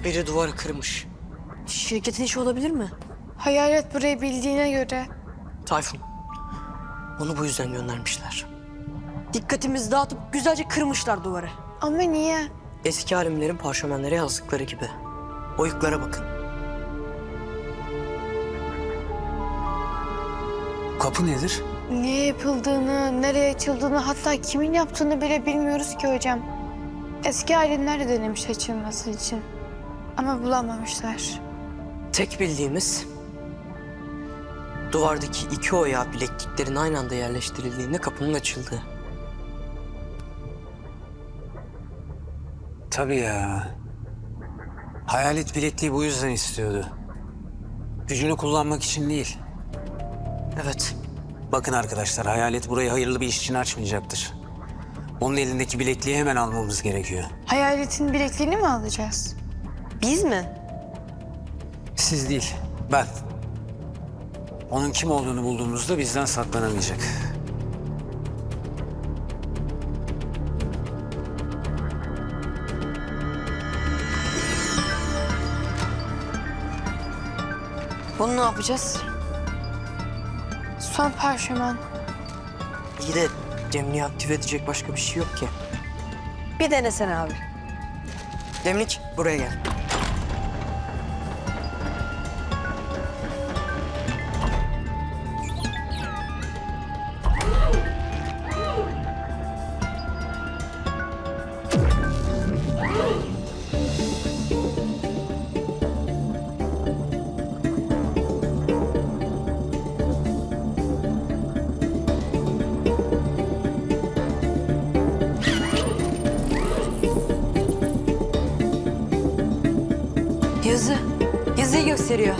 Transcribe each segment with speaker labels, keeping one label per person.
Speaker 1: Biri duvarı kırmış.
Speaker 2: Şirketin işi olabilir mi?
Speaker 3: Hayalet burayı bildiğine göre.
Speaker 1: Tayfun. Onu bu yüzden göndermişler.
Speaker 2: Dikkatimizi dağıtıp güzelce kırmışlar duvarı.
Speaker 3: Ama niye?
Speaker 1: Eski alimlerin parşömenlere yazdıkları gibi. Oyuklara bakın.
Speaker 4: Kapı nedir?
Speaker 3: Niye yapıldığını, nereye açıldığını, hatta kimin yaptığını bile bilmiyoruz ki hocam. Eski alimler de denemiş açılması için. Ama bulamamışlar.
Speaker 1: Tek bildiğimiz... duvardaki iki oyağı bilekliklerin aynı anda yerleştirildiğinde kapının açıldığı.
Speaker 4: Tabii ya. Hayalet bilekliği bu yüzden istiyordu. Gücünü kullanmak için değil.
Speaker 1: Evet.
Speaker 4: Bakın arkadaşlar, hayalet burayı hayırlı bir iş için açmayacaktır. Onun elindeki bilekliği hemen almamız gerekiyor.
Speaker 3: Hayaletin bilekliğini mi alacağız?
Speaker 2: Biz mi?
Speaker 4: Siz değil, ben. Onun kim olduğunu bulduğumuzda bizden saklanamayacak.
Speaker 2: Bunu ne yapacağız?
Speaker 3: Son parşömen.
Speaker 1: İyi de Demliği aktive edecek başka bir şey yok ki.
Speaker 2: Bir denesene abi.
Speaker 1: Demlik buraya gel.
Speaker 2: Yazı. Yazıyı gösteriyor.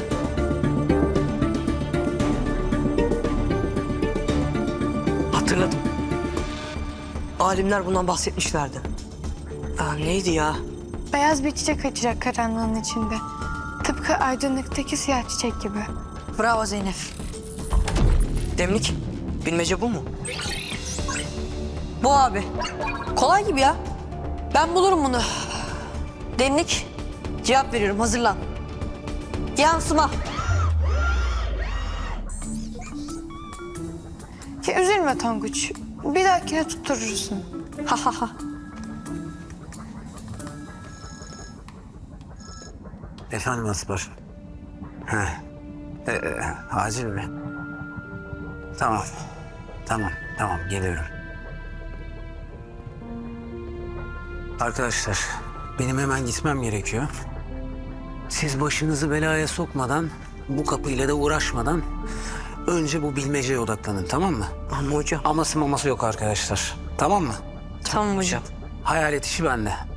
Speaker 1: Hatırladım. Alimler bundan bahsetmişlerdi. Neydi ya?
Speaker 3: Beyaz bir çiçek açacak karanlığın içinde. Tıpkı aydınlıktaki siyah çiçek gibi.
Speaker 2: Bravo Zeynep.
Speaker 1: Demlik, bilmece bu mu?
Speaker 2: Bu abi. Kolay gibi ya. Ben bulurum bunu. Demlik. Cevap veriyorum. Hazırlan. Yansıma.
Speaker 3: Ya üzülme Tonguç. Bir dahakine tutturursun.
Speaker 2: Ha ha ha.
Speaker 4: Efendim Aspar. Heh. Acil mi? Tamam. Tamam geliyorum. Arkadaşlar, benim hemen gitmem gerekiyor. Siz başınızı belaya sokmadan, bu kapıyla da uğraşmadan önce bu bilmeceye odaklanın, tamam mı?
Speaker 1: Ama hocam.
Speaker 4: Aması maması yok arkadaşlar. Tamam mı?
Speaker 2: Tamam hocam.
Speaker 4: Hayalet işi bende.